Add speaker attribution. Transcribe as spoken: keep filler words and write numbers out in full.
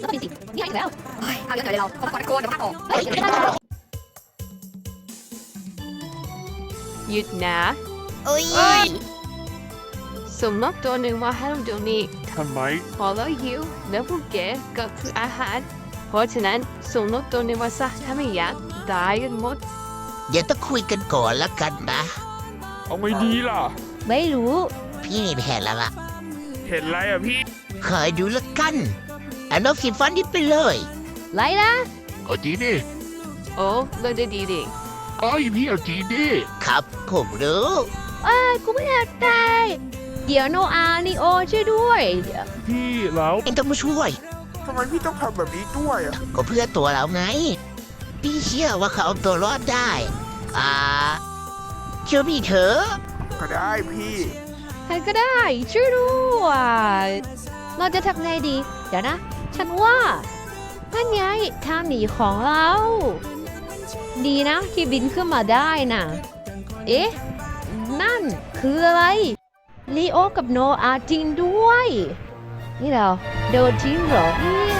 Speaker 1: ก็เป็นสิ่งนี่อยู่แล้วเอาเยอะหน่อยเลยเราเขาตะโกนเดี๋ยวพักออก
Speaker 2: หยุดนะ
Speaker 3: โอ้ย
Speaker 2: สมมติตัวหนึ่งมาให้เราดูนี่
Speaker 4: ทำไม
Speaker 2: พอเราหิวแล้วพวกแกก็คืออาหาร เพราะฉะนั้นสมมติตัวหนึ่งมาซะถ้าไม่อยากตายกันหมด
Speaker 3: เดี๋ยวต้องคุยกันก่อนละกันนะ
Speaker 4: เอาไม่ดีล่ะ
Speaker 1: ไม่รู้
Speaker 3: พี่มีแผนแล้วล่ะ
Speaker 4: เห็นไรอ่ะพี่
Speaker 3: คอยดูละกันเอานกสีฟ้านี่ไปเลย
Speaker 1: ไรนะ
Speaker 4: เอาจีดิ
Speaker 2: โอ้เลิกได้ดีดิ
Speaker 4: เอ้ยพี่เอาจีดิ
Speaker 3: ครับผมรู้
Speaker 1: เอ้ยกูไม่อยากตายเดี๋ยวโนอานีโอช่วยด้วย
Speaker 4: พี่แล้ว
Speaker 3: เองต้องมาช่วย
Speaker 5: ทำไมพี่ต้องทำแบบนี้ด้วยอ่ะ
Speaker 3: ก็เพื่อตัวเราไง พี่เชื่อว่าเขาเอาตัวรอดได้ อ่า เชื่อพี่เถอะ
Speaker 5: ก็ได้พี่
Speaker 1: ใครก็ได้ช่วยด้วยเราจะทำไงดี เดี๋ยวนะ ฉันว่านั่นไงทางหนีของเรา ดีนะที่บินขึ้นมาได้น่ะ เอ๊ะ นั่นคืออะไรลีโอกับโนอาจริงด้วย นี่เราโดนทิ้งเหรอเนี่ย